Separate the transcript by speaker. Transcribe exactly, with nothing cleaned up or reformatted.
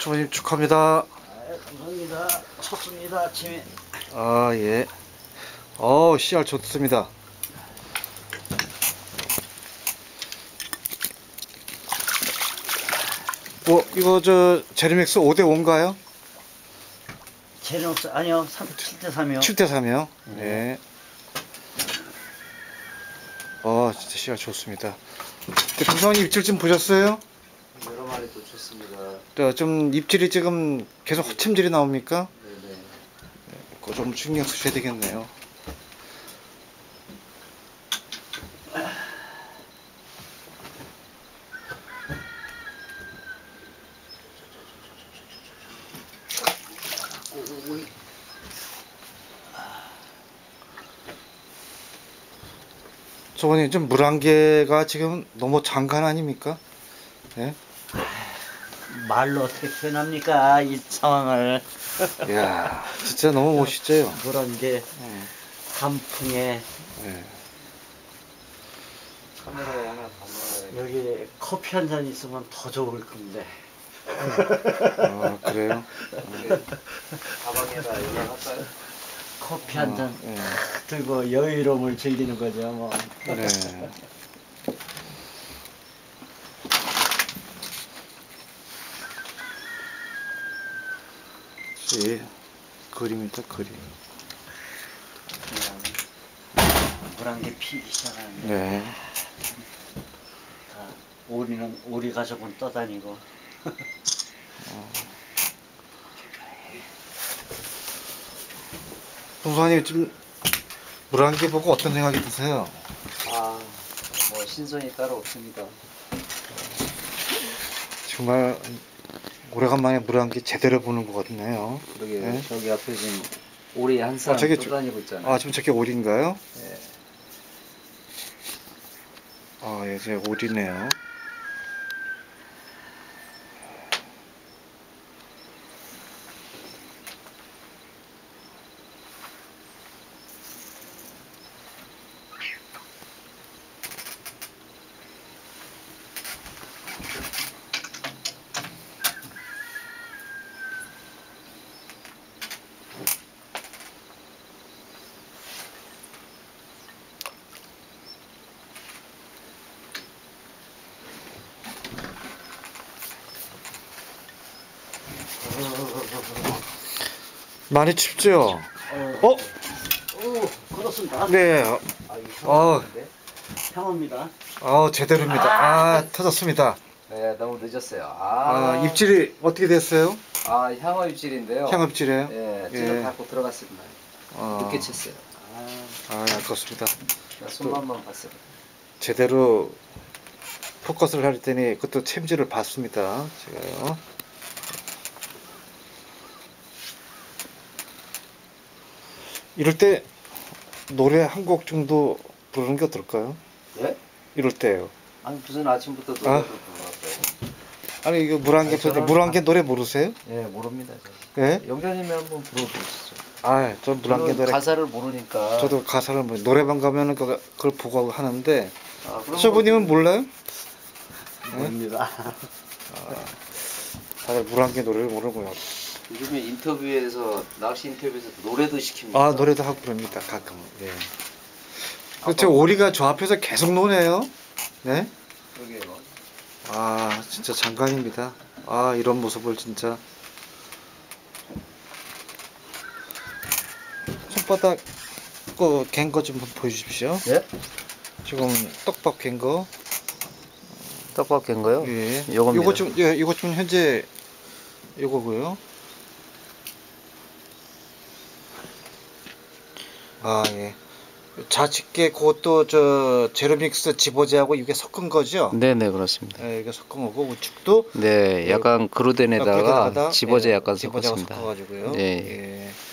Speaker 1: 수모님 축하합니다.
Speaker 2: 아, 감사합니다. 쳤습니다, 아침에.
Speaker 1: 아, 예. 어, 씨알 좋습니다. 뭐, 이거 저, 제르믹스 오 대 오인가요?
Speaker 2: 제르믹스, 아니요, 칠 대 삼이요.
Speaker 1: 칠 대 삼이요?
Speaker 2: 네.
Speaker 1: 네. 어, 진짜 씨알 좋습니다. 부성님 입질 좀 보셨어요?
Speaker 3: 여러 마리 놓쳤습니다.
Speaker 1: 저, 좀 입질이 지금 계속 허침질이 나옵니까?
Speaker 3: 네네.
Speaker 1: 그거 좀 신경 쓰셔야 되겠네요. 저번에 좀 물안개가 지금 너무 장관 아닙니까? 예?
Speaker 2: 말로 어떻게 표현합니까, 이 상황을.
Speaker 1: 이야, 진짜 너무 멋있죠?
Speaker 2: 그런 게
Speaker 1: 음,
Speaker 2: 단풍에
Speaker 1: 예.
Speaker 3: 카메라에 하나 담아야
Speaker 2: 여기 커피 한 잔 있으면 더 좋을 건데.
Speaker 1: 아, 그래요?
Speaker 3: 가방에다 연락할까요?
Speaker 2: 커피 한 잔
Speaker 1: 어, 예.
Speaker 2: 들고 여유로움을 즐기는 거죠, 뭐.
Speaker 1: 네. 예, 그림이다, 그림.
Speaker 2: 물안개 피기 시작하는데.
Speaker 1: 네.
Speaker 2: 다 오리는 오리 가족은 떠다니고.
Speaker 1: 동수아님 좀 물안개 보고 어떤 생각이 드세요?
Speaker 3: 아, 뭐 신선이 따로 없습니다.
Speaker 1: 정말 오래간만에 물안개 제대로 보는 것 같네요.
Speaker 3: 그러게
Speaker 1: 네?
Speaker 3: 저기 앞에 지금 오리 한 사람
Speaker 1: 아, 저기
Speaker 3: 떠다니고 있잖아요.
Speaker 1: 아, 지금 저게 오리인가요?
Speaker 3: 네.
Speaker 1: 아, 예, 제 오리네요. 많이 춥죠? 어?
Speaker 2: 오, 그렇습니다.
Speaker 1: 네.
Speaker 3: 아, 이거
Speaker 1: 어.
Speaker 3: 상황인데?
Speaker 1: 향어입니다. 어, 제대로입니다. 아, 터졌습니다.
Speaker 3: 네, 너무 늦었어요.
Speaker 1: 아,
Speaker 3: 아,
Speaker 1: 입질이 어떻게 됐어요?
Speaker 3: 아, 향어 입질인데요.
Speaker 1: 향어 입질이에요?
Speaker 3: 네,
Speaker 1: 예.
Speaker 3: 찌를 밟고 들어갔습니다.
Speaker 1: 어.
Speaker 3: 늦게 쳤어요. 아,
Speaker 1: 아, 아깝습니다.
Speaker 3: 나 손만만 봤어요.
Speaker 1: 제대로 포커스를 할 때니 그것도 챔질을 봤습니다. 제가요. 이럴 때 노래 한 곡 정도 부르는 게 어떨까요?
Speaker 3: 예?
Speaker 1: 이럴 때요.
Speaker 3: 아니 무슨 아침부터 노래를
Speaker 1: 아.
Speaker 3: 불러왔어요?
Speaker 1: 아니 이거 물안개
Speaker 3: 아니,
Speaker 1: 펴
Speaker 3: 저는
Speaker 1: 물안개 노래 모르세요?
Speaker 3: 예, 모릅니다. 저.
Speaker 1: 예?
Speaker 3: 영자님이 한번 불러보시죠.
Speaker 1: 아, 저 물안개
Speaker 3: 저는
Speaker 1: 노래
Speaker 3: 가사를 모르니까.
Speaker 1: 저도 가사를 뭐 노래방 가면은 그거- 그걸 보고 하는데
Speaker 3: 아, 그럼
Speaker 1: 쇼부님은 몰라요?
Speaker 2: 모릅니다.
Speaker 1: 다들 물안개 노래를 모르고요.
Speaker 3: 요즘에 인터뷰에서 낚시 인터뷰에서 노래도 시킵니다.
Speaker 1: 아, 노래도 하고 그럽니다. 가끔. 예. 그렇죠. 오리가 저 앞에서 계속 노네요. 네?
Speaker 3: 그러게요.
Speaker 1: 아, 진짜 장관입니다. 아, 이런 모습을 진짜. 손바닥 그 갠거 좀 보여주십시오.
Speaker 3: 예?
Speaker 1: 지금 떡밥 갠 거.
Speaker 3: 떡밥 깬 거요?
Speaker 1: 예.
Speaker 3: 요겁니다.
Speaker 1: 요거 좀, 예, 이거 좀 현재 요거고요. 아, 예. 자식계 그것도 저 제로믹스 지보제하고 이게 섞은 거죠?
Speaker 3: 네네 그렇습니다.
Speaker 1: 예, 이게 섞은 거고 우측도
Speaker 3: 네, 약간 그루덴에다가
Speaker 1: 그루덴에다가,
Speaker 3: 집어제
Speaker 1: 예,
Speaker 3: 약간
Speaker 1: 집어제가
Speaker 3: 섞었습니다.
Speaker 1: 섞어가지고요.
Speaker 3: 네.
Speaker 1: 예.